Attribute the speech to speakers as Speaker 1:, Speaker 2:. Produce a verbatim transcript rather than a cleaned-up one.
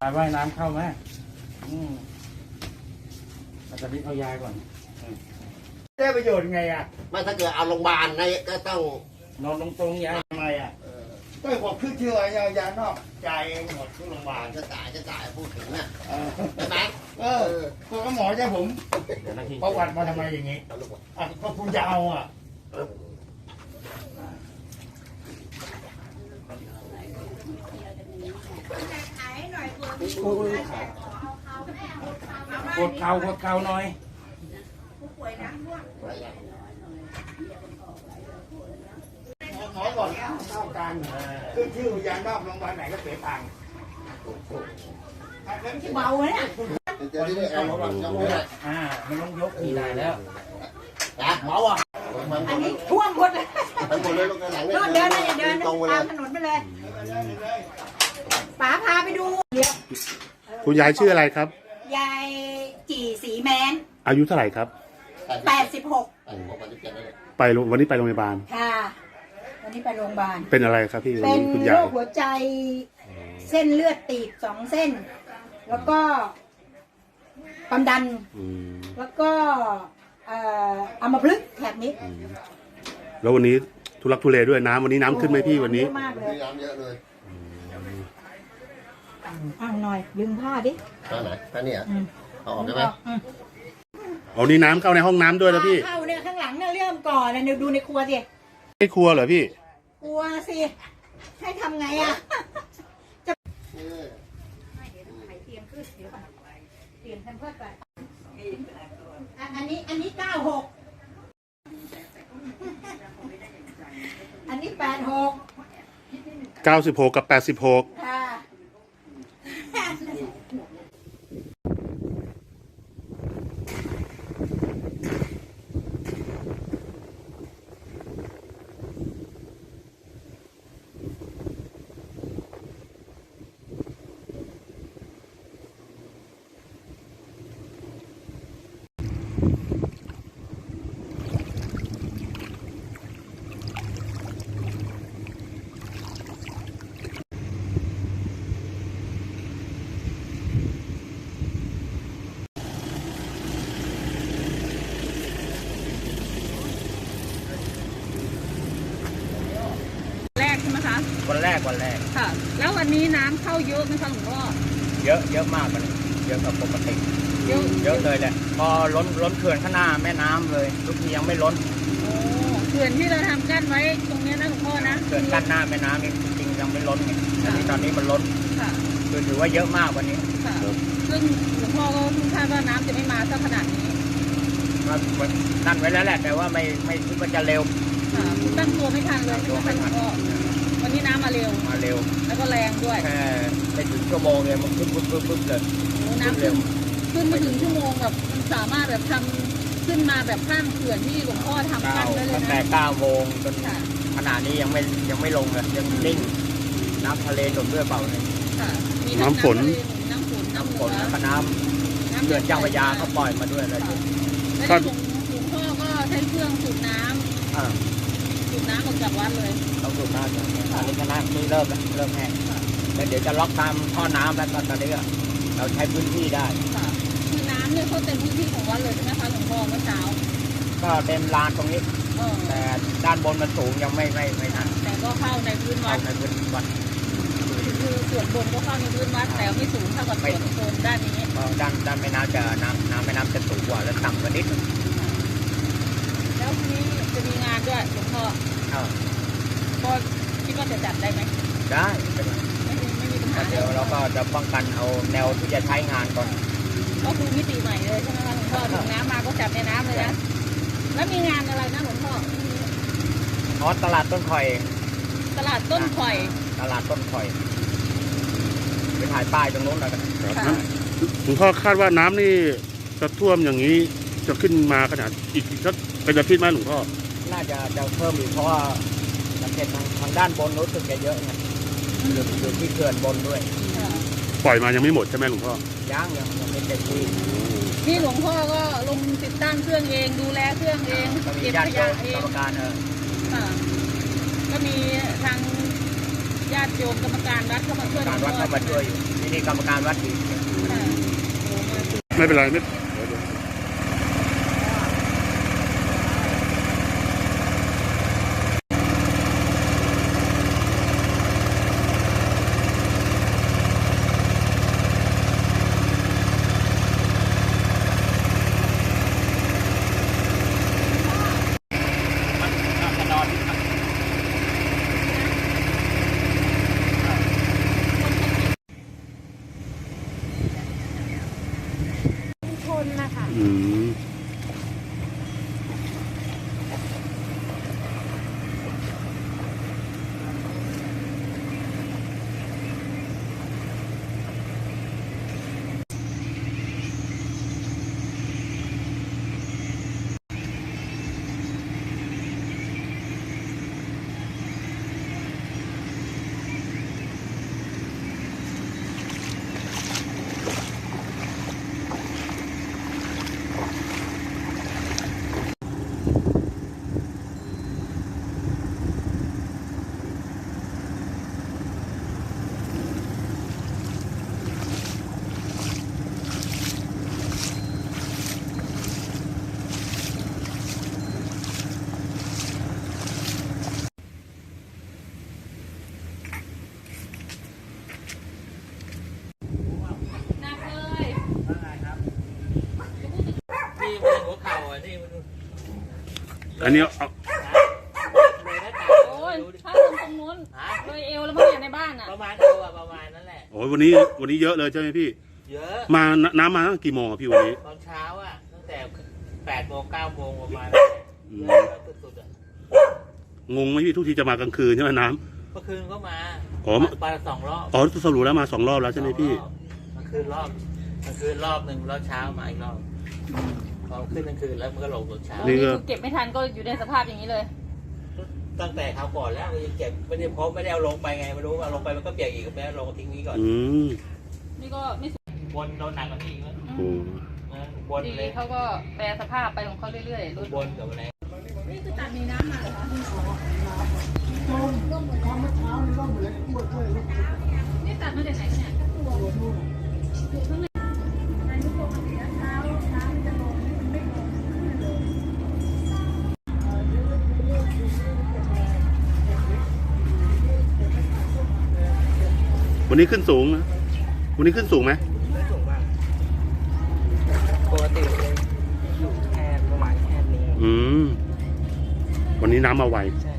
Speaker 1: ว่ายน้ำเข้าไหมอืมอาจารย์นิดเอายาก่อนได้ประโยชน์ไงอ่ะ
Speaker 2: ไม่ถ้าเกิดเอาโรงพยาบาลนะก็ต้อง
Speaker 1: นอนตรงๆยาทำไมอ่ะก็บอกขึ้นชื่ออะไรยานอกจ่ายเองหมดทุกโรงพยาบาล
Speaker 2: จะจ่ายจะจ่ายพูดถึงน่ะใช่ไหม
Speaker 1: เออก็หมอจะผมประวัติมาทำไมอย่างงี้อ่ะก็คุณจะเอาอ่ะกดเข่ากดเข่าหน่อยหมอบอกเท่ากันขึ้นชื่อยานอกโรงพยาบาลไหนก็เสียตังค์
Speaker 3: เบาเลยเนี่ย
Speaker 2: จะได้เอาระวังจำได้
Speaker 1: อ่ามันต้องยกทีได้แล้ว
Speaker 2: นะหมอวะ
Speaker 3: อันนี้ท่วมหมดเลย
Speaker 2: ทั้งหมดเลยลูกหลัง
Speaker 3: เดินเดินเดินตามถนนไปเลยป๋าพาไปดูเดี๋ยว
Speaker 4: คุณยายชื่ออะไรครับ
Speaker 3: ยายจีสีแมน
Speaker 4: อายุเท่าไหร่ครับ
Speaker 3: แปดสิบหก
Speaker 4: ไปวันนี้ไปโรงพยาบาล
Speaker 3: ค่ะวันนี้ไปโรงพยาบาล
Speaker 4: เป็นอะไรครับพี่
Speaker 3: เป็น
Speaker 4: คุณ
Speaker 3: โร
Speaker 4: ยาย
Speaker 3: คหัวใจเส้นเลือดตีบสองเส้นแล้วก็ความดันแล้วก็อัมพฤกษ์แถบนี้
Speaker 4: แล้ววันนี้ทุลักทุเลด้วยน้ำวันนี้น้ำขึ้นไหมพี่วันนี้
Speaker 3: มากเลย
Speaker 2: น้ำเยอะเลย
Speaker 3: เอาหน่อยดึงผ้าดิ
Speaker 2: ผ้าไหนผ้าเนี่ยเอาออกได้ไหม
Speaker 4: เอานี่น้ำเข้าในห้องน้ำด้วยแล้วพี่
Speaker 3: เข้าเนี่ยข้างหลังเนี่ยเริ่มก่อนเนี่ยดูในครัวสิ
Speaker 4: ไม่ครัวเหรอพี่
Speaker 3: ครัวสิให้ทำไงอ่ะจะเตรียมขึ้นเดี๋ยวก่อนเตรียมแพมเพิร์สไปอันนี้อันนี้เก้าหกอันนี้แปดหก
Speaker 4: เก้าสิบหกกับแปดสิบหก
Speaker 3: ค่ะ
Speaker 1: วันแรกวันแรก
Speaker 5: ค่ะแล้ววันนี้น้ำเข้าเยอะไหมคะหลวงพ่อ
Speaker 1: เยอะเยอะมากมันเยอะกว่าปกติเยอะเยอะเลยแหละพอล้นล้นเขื่อนข้างหน้าแม่น้ำเลยทุกทียังไม่ล้น
Speaker 5: โอ้เขื่อนที่เราทำกั้นไว้ตรงนี้นะหลวงพ่อนะ
Speaker 1: เขื่อนกั้นหน้าแม่น้ำนี่จริงๆยังไม่ล้นไงแต่ตอนนี้มันล้น
Speaker 5: ค่ะ
Speaker 1: คือถือว่าเยอะมากวันนี้
Speaker 5: ค่ะซึ่งหลวงพ่อก็คาดว่าน้ำจะไม่มาสักขนาดนี้
Speaker 1: นั่นไว้แล้วแหละแต่ว่าไม่ไม่คิดว่าจะเร็ว
Speaker 5: ค่ะตั้งตัวไม่ทันเลย
Speaker 1: ตัวไม่ทัน
Speaker 5: วันนี้น้ำมาเร็ว
Speaker 1: มาเร็ว
Speaker 5: แล้วก็แรงด้วย
Speaker 1: แค่ไม่ถึงชั่วโมงเลยมันขึ้นปุ๊บปุ๊บปุ๊บเลย
Speaker 5: น้ำขึ้นขึ้นมาถึงชั่วโมงแบบมันสามารถแบบทำขึ้นมาแบบข้ามเขื่อนที่หลวงพ่อทำกันได้เลยนะ
Speaker 1: ตั้งแต่เก้าโมงจนขณะนี้ยังไม่ยังไม่ลงเลยยังนิ่งน้ำทะเลหนุนด้วยเปล่าเลย
Speaker 4: น้ำฝน
Speaker 5: น้ำฝน
Speaker 1: น้ำฝนแล้วก็น้ำเขื่อนเจ้าพระยาเขาปล่อยมาด้วยเลย
Speaker 5: แล้วหลวงพ่อก็ใช้เครื่องสูบน้ำสูบน้ำออกจากวัดเลย
Speaker 1: ต้องสูบน้ำอันนี้ก็น้ำนี่เริ่มแล้วเริ่มแห้งแล้วเดี๋ยวจะล็อกตามท่อน้ำแล้วตอนนี้เราใช้พื้นที่ได้
Speaker 5: คือน้ำเนี่ยเขาเต็มพื้นที่ของวัดเลยใช่ไหมคะหลวงพ่อเมื่อเช้า
Speaker 1: ก็เต็มลานตรงนี้แต่ด้านบนมันสูงยังไม่ไม่ไม่นั่น
Speaker 5: แต่ก็เข้าในพื้นวัด
Speaker 1: ในพื้นวัด
Speaker 5: คือส่วนบนก็เข้าในพื้นวัดแต่ไม่สูงเท่ากับส่วนโซนด้านนี้
Speaker 1: ด้านด้านแม่น้ำจะน้ำน้ำแม่น้ำจะสูงกว่าและต่ำกว่านิดนึง
Speaker 5: แล้วทีนี้จะมีงานด้วยหลวงพ่อก็คิดว่าจะจัดได้ไหม
Speaker 1: ได้เป็น
Speaker 5: ไม่มีไม่มีปัญหา
Speaker 1: เดี๋ยวเราก็จะป้องกันเอาแนวที่จะใช้งานก่อน
Speaker 5: ก็คือมิติใหม่เลยใช่ไหมคะหลวงพ่อถึงน้ำมาก็จับในน้ำเลยนะแล้วมีงานอะไรนะหลวงพ่อ
Speaker 1: อ๋อตลาดต้นข่อย
Speaker 5: ตลาดต้นข่อย
Speaker 1: ตลาดต้นข่อยไปถ่ายป้ายตรงนู้นแล้วกัน
Speaker 4: หลวงพ่อคาดว่าน้ำนี่จะท่วมอย่างนี้จะขึ้นมาขนาดอีกสักเป็นอาทิตย์ไหมหลวงพ่อ
Speaker 1: น่าจะจะเพิ่มอีกเพราะว่าสังเกตทางทางด้านบนรู้สึกจะเยอะไงอยู่อยู่ที่เขื่อนบนด้วย
Speaker 4: ปล่อยมายังไม่หมดใช่ไหมหลวงพ่อ
Speaker 1: ยังยังยังไม่เต็มที่
Speaker 5: นี่หลวงพ่อก็ลงติดตั้งเครื่องเองดูแลเครื่องเอง
Speaker 1: เก็บขยะเองกรรมการเออ
Speaker 5: ก็มีทางญาติโยมกรรมการวัดเข้ามาช่วย
Speaker 1: การวัดเข้ามาช่วยอยู่ที่นี่กรรมการวัดอีก
Speaker 4: ไม่เป็นไรไม่อืมอันนี้เอา
Speaker 5: โอ้ยถ้าลงตรงนู้นเลยเอวแล้วมั้งเนี่ยในบ้านอ่ะ
Speaker 6: ประมาณเอวอะประมาณนั้นแหละ
Speaker 4: โอ้ยวันนี้วันนี้เยอะเลยใช่ไหมพี่
Speaker 6: เยอะ
Speaker 4: มาน้ำมาตั้งกี่โมงอะพี่วันนี้
Speaker 6: ตอนเช้าอะตั้งแต่แปดโมงเก้าโมงประมาณ
Speaker 4: อืม
Speaker 6: เยอะสุดๆอะ
Speaker 4: งงไหมพี่ทุกทีจะมากลางคืนใช่ไหมน้
Speaker 6: เมื่อคืนก็มา
Speaker 4: อ๋อ
Speaker 6: ปลาสองรอบ
Speaker 4: ำอ๋อสรุปแล้วมาสองรอบแล้วใช่ไหมพี่
Speaker 6: สองรอบเมื่อคืนรอบเมื่อคืนรอบหนึ่งแล้วเช้ามาอีกรอบพอขึ้นกลางคืนแล้วมันก็ลงตอนเช้า
Speaker 4: นี่
Speaker 5: นี่
Speaker 4: ก็
Speaker 5: คือเก็บไม่ทันก็อยู่ในสภาพอย่างนี้เลย
Speaker 6: ตั้งแต่คราวก่อนแล้วยังเก็บไม่ได้พบไม่ได้เอาลงไปไงไม่รู้เอาลงไปมันก็เปียกอีกก็ไม่ได้ลงทิ้งนี้ก่อน
Speaker 4: อืม
Speaker 5: นี่ก็ไม่สุด
Speaker 6: บนโดนหนักกว่านี้อีกแล้ว
Speaker 4: โอ้
Speaker 6: นะบน
Speaker 5: ดี
Speaker 6: เลย
Speaker 5: เขาก็แปรสภาพไปของเขาเรื่อยๆรถ
Speaker 6: บนกับอะไร
Speaker 5: นี่คือตัดมีน้ำมาเหรอคะนี่ตัดมาจากไหนเนี่ยอยู่ข้างในในทุกปกติแล้วเช้าเช้ามันจะลงมันไม่ลงขึ้นเลย
Speaker 4: วันนี้ขึ้นสูงนะวันนี้ขึ้นสูงไหม
Speaker 6: ไม่สูงมากปกติเลยอยู่แค่ประมาณแค่นี้
Speaker 4: อืมวันนี้น้ำมาไว
Speaker 6: ใช่